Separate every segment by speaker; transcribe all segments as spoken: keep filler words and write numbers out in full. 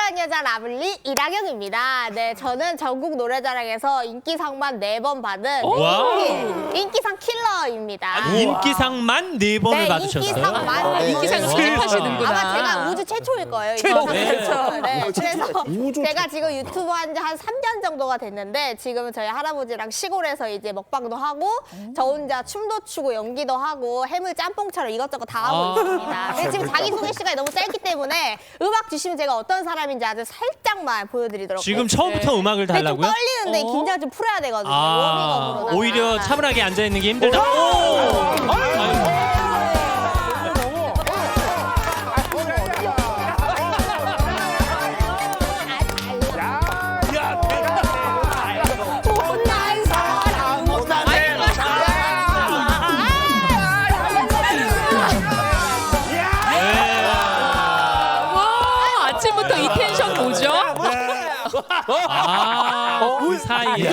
Speaker 1: 사랑스러운 여자 라블리 이라경입니다. 네, 저는 전국 노래자랑에서 인기상만 네 번 받은 인기, 인기상 킬러입니다.
Speaker 2: 아, 인기상만 네 번을
Speaker 1: 네,
Speaker 2: 받으셨어요?
Speaker 1: 인기상만.
Speaker 3: 네. 인기상을 수입하시는구나.
Speaker 1: 아마 제가 우주 최초일 거예요.
Speaker 2: 최초.
Speaker 1: 네.
Speaker 2: 최초.
Speaker 1: 네, 그래서
Speaker 3: 우주
Speaker 1: 제가 지금 유튜브 한 지 한 삼 년 정도가 됐는데 지금은 저희 할아버지랑 시골에서 이제 먹방도 하고 저 혼자 춤도 추고 연기도 하고 해물 짬뽕처럼 이것저것 다 하고
Speaker 2: 아.
Speaker 1: 있습니다. 근데 지금 자기소개 시간이 너무 짧기 때문에 음악 주시면 제가 어떤 사람인지 아주 살짝만 보여드리도록
Speaker 2: 지금
Speaker 1: 하겠습니다.
Speaker 2: 처음부터 음악을
Speaker 1: 근데 좀
Speaker 2: 달라고요?
Speaker 1: 떨리는데
Speaker 3: 어?
Speaker 1: 긴장 좀 풀어야 되거든요.
Speaker 2: 아,
Speaker 1: 워밍업으로다가.
Speaker 2: 오히려 차분하게 앉아있는 게 힘들다. 오!
Speaker 1: 못난 사람
Speaker 3: 와, 아침부터 이 텐션 뭐죠?
Speaker 2: 아, 그 사이에.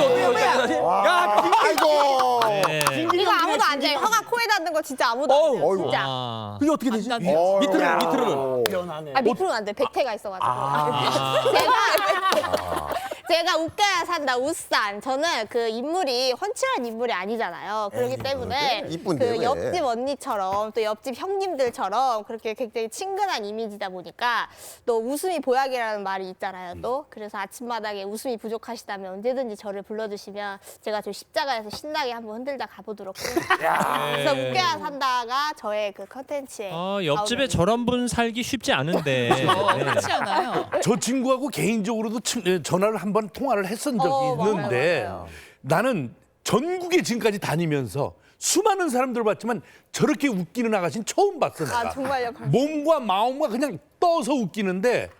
Speaker 4: 아이고.
Speaker 2: 네.
Speaker 1: 이거 아무도 안 돼요. 혀가 코에 닿는 거 진짜 아무도 안 돼요.
Speaker 4: 어이구.
Speaker 1: 진짜.
Speaker 2: 아.
Speaker 4: 그게 어떻게 되지?
Speaker 3: 안
Speaker 4: 어,
Speaker 5: 밑으로는
Speaker 4: 야.
Speaker 5: 밑으로는.
Speaker 1: 아, 밑으로는 안 돼. 백태가 있어가지고.
Speaker 2: 아.
Speaker 1: 제가 제가 웃겨야 산다 웃산. 저는 그 인물이 훤칠한 인물이 아니잖아요. 그렇기 때문에
Speaker 4: 이쁜데,
Speaker 1: 그
Speaker 4: 왜?
Speaker 1: 옆집 언니처럼 또 옆집 형님들처럼 그렇게 굉장히 친근한 이미지다 보니까 또 웃음이 보약이라는 말이 있잖아요. 또 그래서 아침마당에 웃음이 부족하시다면 언제든지 저를 불러주시면 제가 저 십자가에서 신나게 한번 흔들다 가보도록 하겠습니다. 그래서 웃겨야 산다가 저의 그 컨텐츠에
Speaker 2: 어, 옆집에
Speaker 1: 나오는
Speaker 2: 저런 분 살기 쉽지 않은데.
Speaker 3: 어,
Speaker 2: 네.
Speaker 3: 그렇지 않아요.
Speaker 5: 저 친구하고 개인적으로도 침- 예, 전화를 한번 통화를 했었던 적이
Speaker 1: 어, 맞아요,
Speaker 5: 있는데
Speaker 1: 맞아요.
Speaker 5: 나는 전국에 지금까지 다니면서 수많은 사람들 봤지만 저렇게 웃기는 아가씨는 처음 봤어 내가.
Speaker 1: 아 정말요?
Speaker 5: 몸과 마음과 그냥 떠서 웃기는데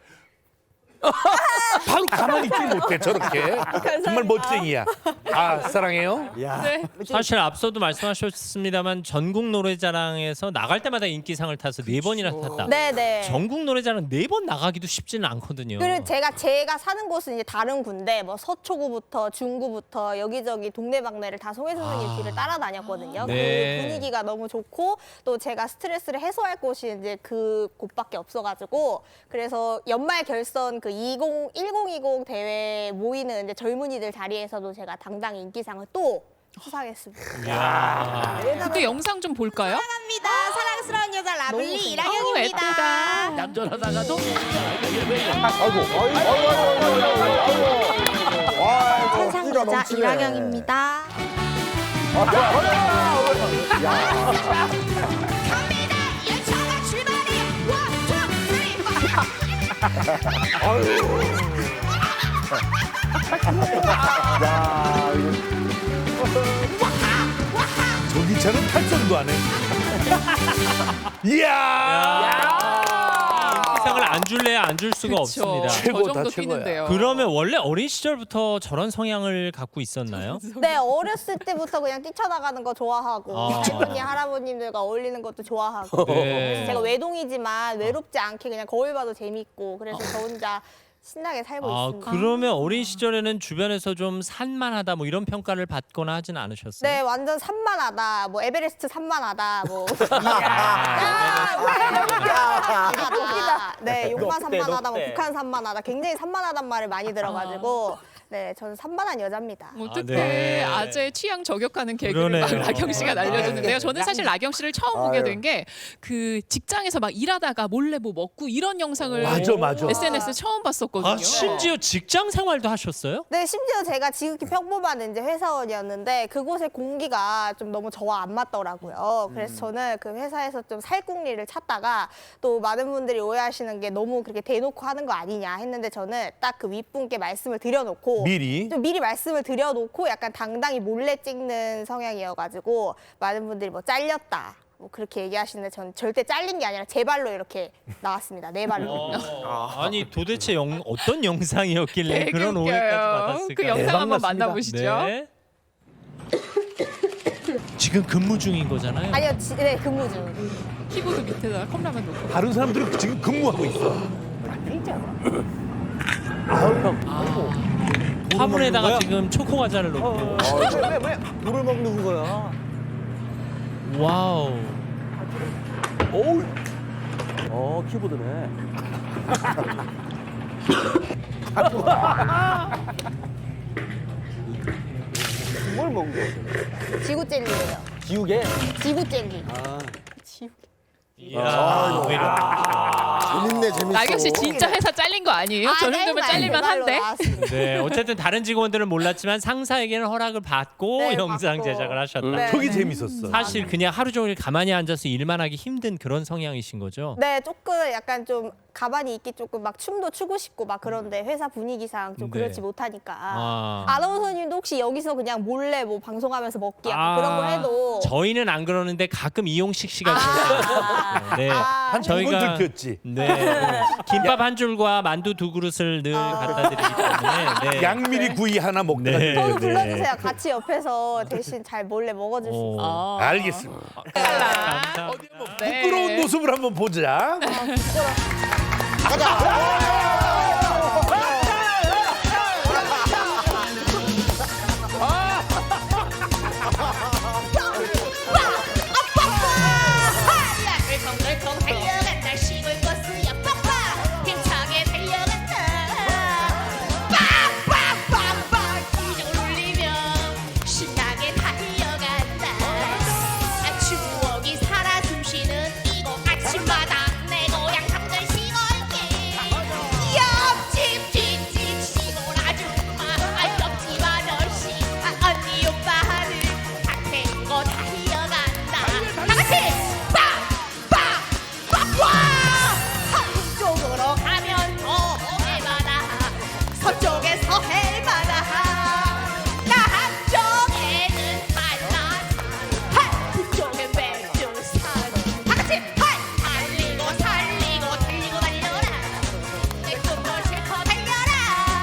Speaker 5: 바로 가만히 있지 못해 저렇게. 정말 멋쟁이야. 아 사랑해요.
Speaker 3: 네.
Speaker 2: 사실 앞서도 말씀하셨습니다만 전국 노래자랑에서 나갈 때마다 인기상을 타서 네 번이나 탔다.
Speaker 1: 네네.
Speaker 2: 전국 노래자랑 네 번 나가기도 쉽지는 않거든요.
Speaker 1: 그리고 제가 제가 사는 곳은 이제 다른 군데 뭐 서초구부터 중구부터 여기저기 동네방네를 다 송혜 선생님 길을 따라다녔거든요.
Speaker 2: 네.
Speaker 1: 그 분위기가 너무 좋고 또 제가 스트레스를 해소할 곳이 이제 그 곳밖에 없어가지고 그래서 연말 결선 그 이십 일공이공 대회 모이는 이제 젊은이들 자리에서도 제가 당당히 인기상을 또 수상했습니다.
Speaker 2: 이야.
Speaker 3: 그때 영상 좀 볼까요?
Speaker 1: 사랑합니다. 사랑스러운 여자 라블리
Speaker 3: 어우,
Speaker 1: 이라경입니다.
Speaker 3: 예쁘다.
Speaker 5: 얌전하다가도
Speaker 4: 아이고. 아이고. 아이고. 아이고. 아이고. 와,
Speaker 1: 천상
Speaker 4: 끼가
Speaker 1: 여자
Speaker 4: 넘치네.
Speaker 1: 이라경입니다.
Speaker 4: 아, 야, 야, 야.
Speaker 1: 갑니다. 열차가 출발해요. 원, 투, 쓰리.
Speaker 4: 야,
Speaker 5: 저 기차는 탈선도 안 해. 이야.
Speaker 2: 인기상을 안 줄래야 안 줄 수가
Speaker 3: 그쵸.
Speaker 2: 없습니다.
Speaker 3: 저
Speaker 5: 최고다,
Speaker 3: 정도
Speaker 5: 최고야.
Speaker 3: 뛰는데요.
Speaker 2: 그러면 원래 어린 시절부터 저런 성향을 갖고 있었나요?
Speaker 1: 네, 어렸을 때부터 그냥 뛰쳐나가는 거 좋아하고
Speaker 2: 아.
Speaker 1: 할머니, 할아버님들과 어울리는 것도 좋아하고
Speaker 2: 네.
Speaker 1: 그래서 제가 외동이지만 외롭지 않게 그냥 거울 봐도 재밌고 그래서 저 혼자 신나게 살고
Speaker 2: 아,
Speaker 1: 있습니다.
Speaker 2: 그러면 어린 시절에는 주변에서 좀 산만하다 뭐 이런 평가를 받거나 하진 않으셨어요?
Speaker 1: 네, 완전 산만하다. 뭐 에베레스트 산만하다. 뭐 산만하다. 네, 용마 산만하다. 뭐 북한 산만하다. 굉장히 산만하단 말을 많이 들어가지고 네, 저는 산만한 여자입니다.
Speaker 3: 어떻게
Speaker 2: 네.
Speaker 3: 아재의 취향 저격하는 개그를 막
Speaker 2: 그러네요.
Speaker 3: 라경 씨가 날려주는데요. 저는 사실 라경 씨를 처음 보게 된 게 그 직장에서 막 일하다가 몰래 뭐 먹고 이런 영상을
Speaker 5: 맞아, 맞아.
Speaker 3: 에스엔에스 처음 봤었거든요.
Speaker 2: 아, 심지어 직장 생활도 하셨어요?
Speaker 1: 네, 심지어 제가 지극히 평범한 이제 회사원이었는데 그곳의 공기가 좀 너무 저와 안 맞더라고요. 그래서 저는 그 회사에서 좀 살궁리를 찾다가 또 많은 분들이 오해하시는 게 너무 그렇게 대놓고 하는 거 아니냐 했는데 저는 딱 그 윗분께 말씀을 드려놓고
Speaker 5: 미리?
Speaker 1: 좀 미리 말씀을 드려놓고 약간 당당히 몰래 찍는 성향이어가지고 많은 분들이 뭐 잘렸다. 뭐 그렇게 얘기하시는데 저는 절대 잘린 게 아니라 제 발로 이렇게 나왔습니다. 내 발로.
Speaker 2: 어, 아니 도대체 영, 어떤 영상이었길래
Speaker 3: 되게
Speaker 2: 그런
Speaker 3: 웃겨요.
Speaker 2: 오해까지 받았을까?
Speaker 3: 그 영상
Speaker 5: 대박
Speaker 3: 한번
Speaker 5: 났습니다.
Speaker 3: 만나보시죠.
Speaker 2: 네. 지금 근무 중인 거잖아요.
Speaker 1: 아니요, 지, 네 근무 중.
Speaker 3: 키보드 밑에다가 컵라면 놓고.
Speaker 5: 다른 사람들은 지금 근무하고 있어.
Speaker 2: 화분에다가 지금 초코 과자를 넣고.
Speaker 6: 물을 먹는 거야.
Speaker 2: 와우.
Speaker 6: 어우. 어, 키보드네. 뭘 먹는 거예요?
Speaker 1: 지구 젤리예요.
Speaker 6: 지우개?
Speaker 1: 지구 젤리.
Speaker 6: 아.
Speaker 1: 지구.
Speaker 2: 이야, 왜 이렇게.
Speaker 4: 재밌네, 재밌어.
Speaker 3: 나경 씨 진짜 회사 잘린 거 아니에요? 저
Speaker 1: 네,
Speaker 3: 정도면
Speaker 1: 네,
Speaker 3: 잘릴만
Speaker 1: 그걸로
Speaker 3: 한데.
Speaker 1: 나왔습니다.
Speaker 2: 네, 어쨌든 다른 직원들은 몰랐지만 상사에게는 허락을 받고
Speaker 1: 네,
Speaker 2: 영상
Speaker 1: 받고.
Speaker 2: 제작을 하셨다.
Speaker 1: 네.
Speaker 5: 저게 재밌었어.
Speaker 2: 사실 그냥 하루 종일 가만히 앉아서 일만 하기 힘든 그런 성향이신 거죠?
Speaker 1: 네, 조금 약간 좀 가만히 있기 조금 막 춤도 추고 싶고 막 그런데 회사 분위기상 좀
Speaker 2: 네.
Speaker 1: 그렇지 못하니까.
Speaker 2: 아.
Speaker 1: 아나운서님도 혹시 여기서 그냥 몰래 뭐 방송하면서 먹기 약간
Speaker 2: 아,
Speaker 1: 그런 거 해도.
Speaker 2: 저희는 안 그러는데 가끔 이용식 씨가
Speaker 1: 아.
Speaker 2: 네.
Speaker 1: 아,
Speaker 5: 한 두 번
Speaker 2: 저희가
Speaker 5: 들켰지.
Speaker 2: 네. 김밥 한 줄과 만두 두 그릇을 늘 갖다 드리기 때문에 네.
Speaker 5: 양미리 구이 하나 먹다가
Speaker 2: 네.
Speaker 1: 저도
Speaker 2: 네.
Speaker 1: 불러주세요. 같이 옆에서 대신 잘 몰래 먹어줄 수
Speaker 2: 오.
Speaker 1: 있어요.
Speaker 3: 어.
Speaker 5: 알겠습니다.
Speaker 2: 감사합니다.
Speaker 5: 어디 한번
Speaker 3: 네.
Speaker 5: 부끄러운 모습을 한번 보자.
Speaker 7: 덜컹덜컹 달려간다 시골 버스야 빡빡 힘차게 달려간다 빡빡빡빡 기적을 울리며 신나게 달려간다 아, 추억이 살아 숨쉬는 이곳 아침마다 내 고향 삼들 시골길 옆집 뒷집 시골 아줌마 아, 옆집 아저씨 아, 언니 오빠를 다 태우고 달려간다 다같이 서쪽으로 가면 동해바다 서쪽에서 해바다 남쪽에는 한라산 북쪽엔 백두산 다같이 달리고 달리고 달리고 달려라 내 꿈도 실컷 달려라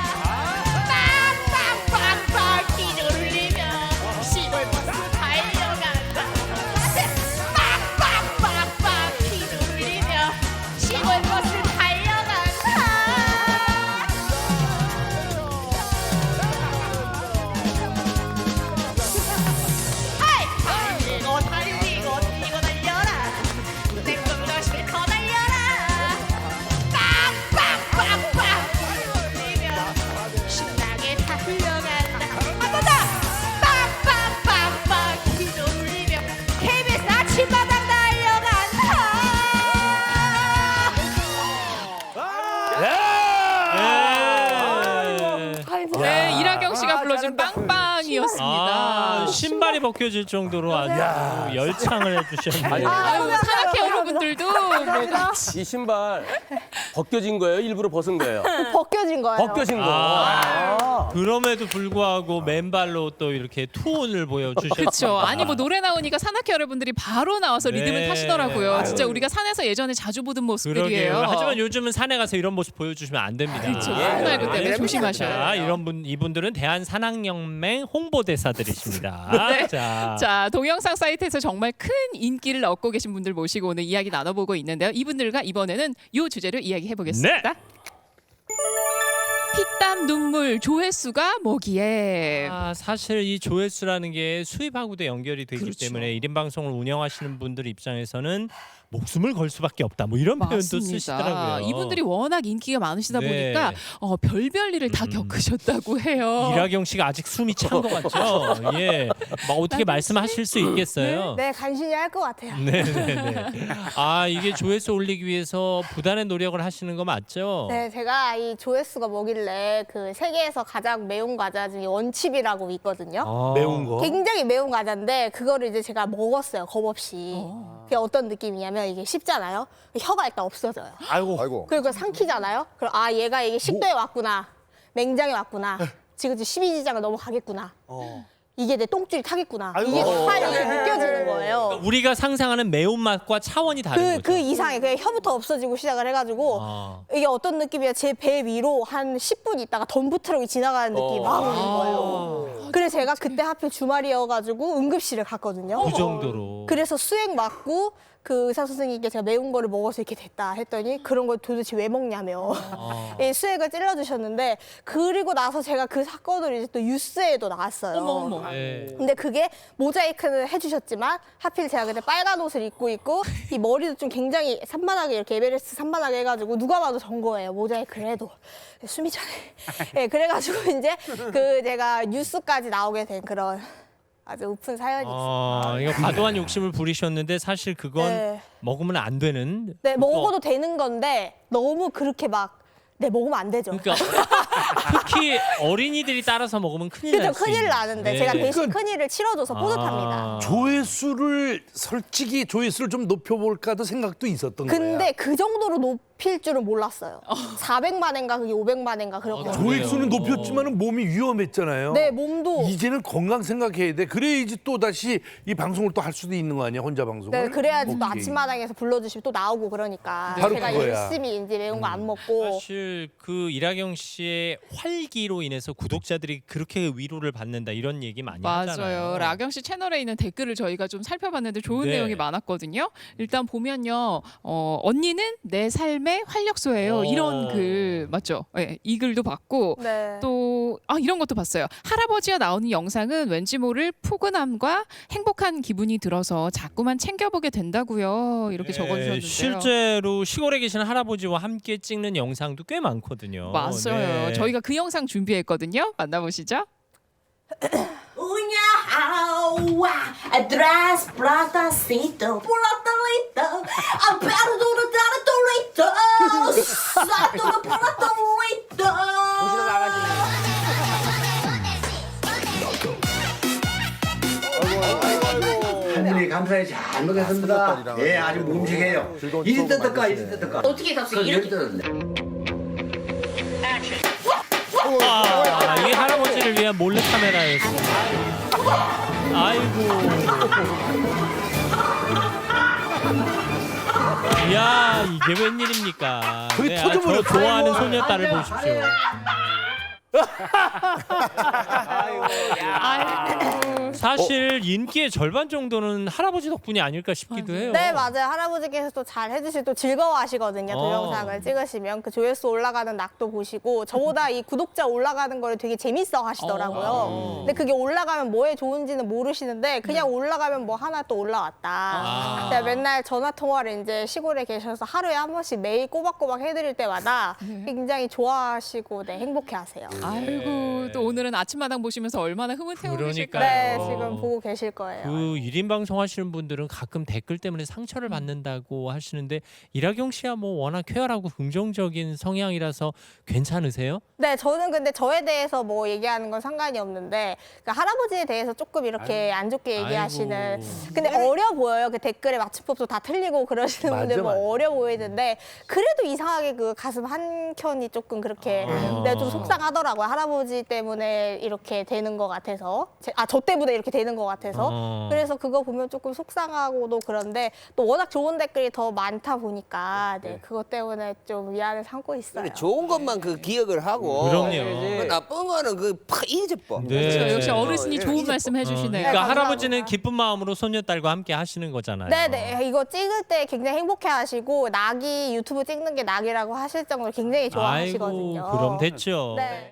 Speaker 7: 빡빡빡빡 기적을 울리며 시골 버스 달려간다 다같이 빡빡빡빡 기적을 울리며 시골 버스 달려간다 하이 달리고 달리고 달리고 달려라 내 꿈도 실컷 달려라 빡빡빡빡 울리며 신나게 달려간다 한번더 빡빡빡빡 기도 울리며 케이비에스 아침마당 달려간다
Speaker 2: 네.
Speaker 3: 네, 이라경 씨가
Speaker 6: 아,
Speaker 3: 불러준
Speaker 6: 잘한다.
Speaker 3: 빵빵이었습니다.
Speaker 2: 아, 신발이 벗겨질 정도로 아주 열창을 해주셨네요.
Speaker 3: 아유, 산악회 여러분들도 뭐
Speaker 6: 이 신발 벗겨진 거예요? 일부러 벗은 거예요?
Speaker 1: 벗겨진 거예요.
Speaker 6: 벗겨진 거.
Speaker 2: 아, 그럼에도 불구하고 맨발로 또 이렇게 투혼을 보여주셨어요.
Speaker 3: 그렇죠. 아니 뭐 노래 나오니까 산악회 여러분들이 바로 나와서
Speaker 2: 네.
Speaker 3: 리듬을 타시더라고요.
Speaker 2: 아유.
Speaker 3: 진짜 우리가 산에서 예전에 자주 보던 모습들이에요.
Speaker 2: 그러게요. 하지만 요즘은 산에 가서 이런 모습 보여주시면 안 됩니다.
Speaker 3: 그렇죠.
Speaker 6: 예.
Speaker 3: 코로나십구 때문에
Speaker 6: 됩니다.
Speaker 3: 조심하셔야
Speaker 2: 자,
Speaker 3: 돼요.
Speaker 2: 이런 분 이분들은 대한산악연맹 홍보대사들이십니다.
Speaker 3: 네.
Speaker 2: 자,
Speaker 3: 자, 동영상 사이트에서 정말 큰 인기를 얻고 계신 분들 모시고 오늘 이야기 나눠보고 있는데요. 이분들과 이번에는 이 주제로 이야기해 보겠습니다.
Speaker 2: 네.
Speaker 3: 피땀 눈물 조회수가 뭐기에?
Speaker 2: 아, 사실 이 조회수라는 게 수입하고도 연결이 되기
Speaker 3: 그렇죠.
Speaker 2: 때문에 일 인 방송을 운영하시는 분들 입장에서는 목숨을 걸 수밖에 없다. 뭐 이런 표현도 쓰시더라고요.
Speaker 3: 이분들이 워낙 인기가 많으시다
Speaker 2: 네.
Speaker 3: 보니까 어, 별별 일을 다
Speaker 2: 음.
Speaker 3: 겪으셨다고 해요.
Speaker 2: 이라경 씨가 아직 숨이 찬 것 같죠? 예, 막 어떻게 말씀하실 수 있겠어요?
Speaker 1: 네, 간신히 할 것 같아요.
Speaker 2: 네, 네, 네. 아, 이게 조회수 올리기 위해서 부단의 노력을 하시는 거 맞죠?
Speaker 1: 네, 제가 이 조회수가 뭐길래 그 세계에서 가장 매운 과자 중에 원칩이라고 있거든요.
Speaker 2: 아.
Speaker 5: 매운 거.
Speaker 1: 굉장히 매운 과자인데 그거를 이제 제가 먹었어요, 겁 없이. 그게 어떤 느낌이냐면 이게 씹잖아요. 혀가 일단 없어져요.
Speaker 5: 아이고.
Speaker 4: 아이고.
Speaker 1: 그리고 삼키잖아요. 그럼 아 얘가 이게 식도에 왔구나, 맹장에 왔구나, 지금 십이지장을 넘어가겠구나. 이게 내 똥줄이 타겠구나. 이게 다 이렇게 느껴지는 거예요.
Speaker 2: 우리가 상상하는 매운맛과 차원이 다른
Speaker 1: 그,
Speaker 2: 거죠.
Speaker 1: 그 이상에 그냥 혀부터 없어지고 시작을 해가지고
Speaker 2: 아.
Speaker 1: 이게 어떤 느낌이야? 제 배 위로 한 십 분 있다가 덤프 트럭이 지나가는 느낌이 막 오는 거예요. 그래서 제가 그때 하필 주말이어가지고 응급실을 갔거든요.
Speaker 2: 그 정도로.
Speaker 1: 그래서 수액 맞고 그 의사 선생님께 제가 매운 거를 먹어서 이렇게 됐다 했더니 그런 걸 도대체 왜 먹냐며 이 수액을 찔러주셨는데 그리고 나서 제가 그 사건을 이제 또 뉴스에도 나왔어요.
Speaker 3: 어머 어머.
Speaker 2: 네.
Speaker 1: 근데 그게 모자이크는 해주셨지만 하필 제가 그때 빨간 옷을 입고 있고 이 머리도 좀 굉장히 산만하게 이렇게 에베레스트 산만하게 해가지고 누가 봐도 전 거예요. 모자이크를 해도 숨이 차네. 네, 그래가지고 이제 그 제가 뉴스까지 나오게 된 그런 아주 우픈 사연이 있어요.
Speaker 2: 어, 이거 과도한 욕심을 부리셨는데 사실 그건
Speaker 1: 네.
Speaker 2: 먹으면 안 되는.
Speaker 1: 네,
Speaker 2: 또-
Speaker 1: 먹어도 되는 건데 너무 그렇게 막 네, 먹으면 안 되죠.
Speaker 2: 그러니까 특히 어린이들이 따라서 먹으면 큰일
Speaker 1: 그죠,
Speaker 2: 날 수
Speaker 1: 큰일
Speaker 2: 있는.
Speaker 1: 나는데
Speaker 2: 네.
Speaker 1: 제가 대신
Speaker 5: 그러니까-
Speaker 1: 큰일을 치러줘서 뿌듯합니다.
Speaker 2: 아.
Speaker 5: 조회수를 솔직히 조회수를 좀 높여볼까도 생각도 있었던
Speaker 1: 근데
Speaker 5: 거야.
Speaker 1: 그 정도로 높일 줄은 몰랐어요. 사백만 회인가 그게 오백만 회인가 그렇게.
Speaker 2: 어,
Speaker 5: 조회수는
Speaker 2: 그래요.
Speaker 5: 높였지만 몸이 위험했잖아요.
Speaker 1: 네, 몸도.
Speaker 5: 이제는 건강 생각해야 돼. 그래야지 또 다시 이 방송을 또 할 수도 있는 거 아니야, 혼자 방송을.
Speaker 1: 네, 그래야지 또
Speaker 5: 오케이.
Speaker 1: 아침마당에서 불러주시면 또 나오고 그러니까
Speaker 5: 바로
Speaker 1: 제가
Speaker 5: 그거야.
Speaker 1: 열심히 이제 매운 거 안 먹고
Speaker 2: 사실 그 이라경 씨의 활기로 인해서 구독자들이 그렇게 위로를 받는다 이런 얘기 많이 하잖아요.
Speaker 3: 맞아요. 라경 씨 채널에 있는 댓글을 저희가 좀 살펴봤는데 좋은
Speaker 2: 네.
Speaker 3: 내용이 많았거든요. 일단 보면요, 어, 언니는 내 삶의 활력소예요.
Speaker 2: 어.
Speaker 3: 이런 글 맞죠? 네, 이 글도 봤고
Speaker 1: 네.
Speaker 3: 또 아, 이런 것도 봤어요. 할아버지가 나오는 영상은 왠지 모를 포근함과 행복한 기분이 들어서 자꾸만 챙겨보게 된다고요. 이렇게
Speaker 2: 네,
Speaker 3: 적어주셨는데요.
Speaker 2: 실제로 시골에 계신 할아버지와 함께 찍는 영상도 꽤 많거든요.
Speaker 3: 맞아요.
Speaker 2: 네.
Speaker 3: 저희가 그 영상 준비했거든요. 만나보시죠.
Speaker 7: Uña agua, atrás platacito, platalito, apertura tartolito, satura platalito.
Speaker 8: 하늘이 감사히 잘 먹겠습니다. 예, 아주 묵직해요. 이리 뜯을까, 이리 뜯을까.
Speaker 7: 어떻게 샀어요? 이렇게
Speaker 2: 아, 이게 할아버지를 위한 몰래 카메라였습니다. 아이고. 야, 이게 웬일입니까?
Speaker 5: 거의
Speaker 2: 네, 아,
Speaker 5: 터져버렸어.
Speaker 2: 저 좋아하는 소녀딸을 보십시오.
Speaker 3: 아이고.
Speaker 2: 사실 인기의 절반 정도는 할아버지 덕분이 아닐까 싶기도 해요.
Speaker 1: 네, 맞아요. 할아버지께서 또 잘 해주시고 또 즐거워하시거든요.
Speaker 2: 어.
Speaker 1: 동영상을 찍으시면 그 조회수 올라가는 낙도 보시고 저보다 이 구독자 올라가는 거를 되게 재밌어 하시더라고요.
Speaker 2: 어.
Speaker 1: 근데 그게 올라가면 뭐에 좋은지는 모르시는데 그냥 올라가면 뭐 하나 또 올라왔다.
Speaker 2: 아.
Speaker 1: 제가 맨날 전화 통화를 이제 시골에 계셔서 하루에 한 번씩 매일 꼬박꼬박 해드릴 때마다 굉장히 좋아하시고 네, 행복해하세요.
Speaker 3: 아이고 또 오늘은 아침마당 보시면서 얼마나 흐뭇해
Speaker 2: 그러니까요.
Speaker 3: 오실까요?
Speaker 1: 네,
Speaker 2: 어.
Speaker 1: 지금 보고 계실 거예요.
Speaker 2: 그 일 인 방송 하시는 분들은 가끔 댓글 때문에 상처를 받는다고 하시는데 이라경 씨야 뭐 워낙 쾌활하고 긍정적인 성향이라서 괜찮으세요?
Speaker 1: 네, 저는 근데 저에 대해서 뭐 얘기하는 건 상관이 없는데 그 할아버지에 대해서 조금 이렇게 안 좋게 얘기하시는
Speaker 2: 아이고.
Speaker 1: 근데 어려 보여요. 그 댓글에 맞춤법도 다 틀리고 그러시는
Speaker 5: 맞아,
Speaker 1: 분들 뭐
Speaker 5: 맞아.
Speaker 1: 어려 보이는데 그래도 이상하게 그 가슴 한 켠이 조금 그렇게
Speaker 2: 아.
Speaker 1: 네, 좀 속상하더라고요. 할아버지 때문에 이렇게 되는 것 같아서 아, 저 때문에 이렇게 되는 것 같아서
Speaker 2: 어.
Speaker 1: 그래서 그거 보면 조금 속상하고도 그런데 또 워낙 좋은 댓글이 더 많다 보니까 네, 그것 때문에 좀 위안을 삼고 있어요.
Speaker 9: 그래, 좋은 것만 그 기억을 하고
Speaker 2: 그럼요.
Speaker 9: 그 나쁜 거는 그팍 잊어버.
Speaker 2: 네.
Speaker 3: 그렇죠. 역시 어르신이
Speaker 9: 어,
Speaker 3: 좋은
Speaker 9: 이제
Speaker 3: 말씀
Speaker 2: 어,
Speaker 3: 해주시네요.
Speaker 2: 그러니까
Speaker 1: 네,
Speaker 2: 할아버지는
Speaker 1: 감사합니다.
Speaker 2: 기쁜 마음으로 손녀딸과 함께 하시는 거잖아요.
Speaker 1: 네네 이거 찍을 때 굉장히 행복해하시고 낙이 유튜브 찍는 게 낙이라고 하실 정도로 굉장히 좋아하시거든요.
Speaker 2: 아이고, 그럼 됐죠.
Speaker 1: 네.